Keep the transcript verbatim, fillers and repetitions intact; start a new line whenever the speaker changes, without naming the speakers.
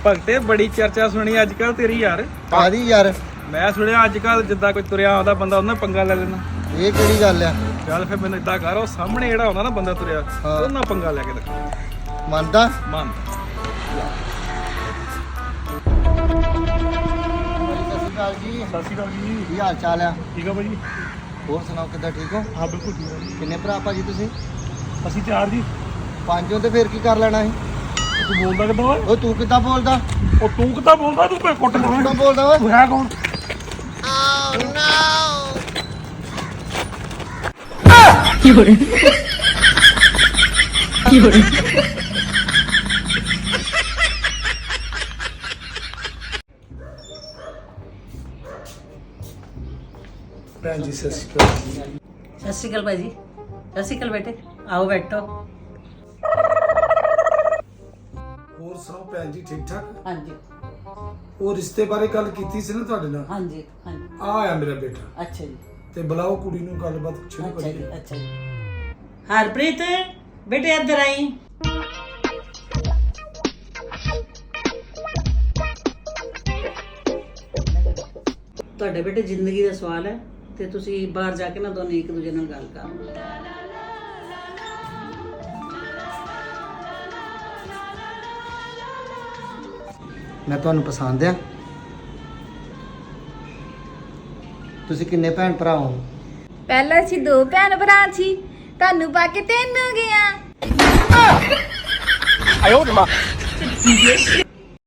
ਭਗਤੇ ਬੜੀ ਚਰਚਾ ਸੁਣੀ ਅੱਜ ਕੱਲ ਤੇਰੀ ਯਾਰ।
ਕਾਦੀ ਯਾਰ?
ਮੈਂ ਸੁਣਿਆ ਅੱਜ ਕੱਲ ਜਿੱਦਾਂ ਕੋਈ ਤੁਰਿਆ ਆਉਂਦਾ ਬੰਦਾ ਉਹਨਾਂ ਪੰਗਾ ਲੈ ਲੈਣਾ।
ਇਹ ਕਿਹੜੀ ਗੱਲ ਆ?
ਚੱਲ ਫਿਰ ਮੈਨੂੰ ਇਦਾਂ ਕਰ, ਉਹ ਸਾਹਮਣੇ ਜਿਹੜਾ ਹੁੰਦਾ ਨਾ ਬੰਦਾ ਤੁਰਿਆ
ਹਾਂ।
ਉਹਨਾਂ ਪੰਗਾ ਲੈ ਕੇ ਦਿਖਾ।
ਮੰਨਦਾ?
ਮੰਨ।
ਸਤਿ ਸ਼੍ਰੀ ਅਕਾਲ ਜੀ।
ਸਤਿ ਸ਼੍ਰੀ ਅਕਾਲ ਜੀ।
ਕੀ ਹਾਲ ਚਾਲ ਆ?
ਠੀਕ ਆ ਭਾਜੀ।
ਹੋਰ ਸੁਣਾਓ ਕਿੱਦਾਂ, ਠੀਕ ਹੋ?
ਹਾਂ ਬਿਲਕੁਲ ਠੀਕ ਆ।
ਕਿੰਨੇ ਭਰਾ ਭਾਜੀ ਤੁਸੀਂ?
ਅਸੀਂ ਚਾਰ ਜੀ।
ਪੰਜ ਹੋ ਤੇ ਫਿਰ ਕੀ ਕਰ ਲੈਣਾ ਸੀ?
ਤੂੰ ਬੋਲਦਾ ਕਿੱਦਾਂ ਓਏ?
ਉਹ ਤੂੰ ਕਿੱਦਾਂ ਬੋਲਦਾ?
ਉਹ ਤੂੰ ਕਿੱਦਾਂ ਬੋਲਦਾ? ਤੂੰ ਕੋਈ ਕੁੱਟ
ਕਿੱਦਾਂ
ਮਾਰ।
ਬੋਲਦਾ ਓਏ?
ਤੂੰ ਹੈ ਕੌਣ? ਭੈਣ ਜੀ ਸਤਿ ਸ਼੍ਰੀ ਅਕਾਲ।
ਸਤਿ ਸ਼੍ਰੀ ਅਕਾਲ ਭਾਜੀ। ਸਤਿ ਸ਼੍ਰੀ ਅਕਾਲ ਬੇਟੇ, ਆਓ ਬੈਠੋ।
ਹੋਰ ਸੁਣਾਓ ਭੈਣ ਜੀ, ਠੀਕ ਠਾਕ?
ਹਾਂਜੀ
ਉਹ ਰਿਸ਼ਤੇ ਬਾਰੇ ਗੱਲ ਕੀਤੀ ਸੀ ਨਾ ਤੁਹਾਡੇ ਨਾਲ?
ਹਾਂਜੀ ਹਾਂਜੀ।
ਆ ਆਇਆ ਮੇਰਾ ਬੇਟਾ,
ਅੱਛਾ ਜੀ,
ਤੇ ਬੁਲਾਓ ਕੁੜੀ ਨੂੰ, ਗੱਲਬਾਤ ਸ਼ੁਰੂ
ਅੱਛਾ ਜੀ,
ਕਰੀਏ।
ਅੱਛਾ ਜੀ। ਹਰਪ੍ਰੀਤ ਬੇਟੇ ਇੱਧਰ ਆਈ। ਤੁਹਾਡੇ ਬੇਟੇ ਜ਼ਿੰਦਗੀ ਦਾ ਸਵਾਲ ਹੈ ਤੇ ਤੁਸੀਂ ਬਾਹਰ ਜਾ ਕੇ ਨਾ ਦੋਨੇ ਇੱਕ ਦੂਜੇ ਨਾਲ ਗੱਲ ਕਰੋ।
ਮੈਂ ਤੁਹਾਨੂੰ ਪਸੰਦ ਆ? ਤੁਸੀਂ ਕਿੰਨੇ ਭੈਣ ਭਰਾ ਹੋ?
ਪਹਿਲਾਂ ਸੀ ਦੋ ਭੈਣ ਭਰਾ ਸੀ, ਤੁਹਾਨੂੰ ਪਾ ਕੇ ਤਿੰਨ ਹੋ ਗਿਆ।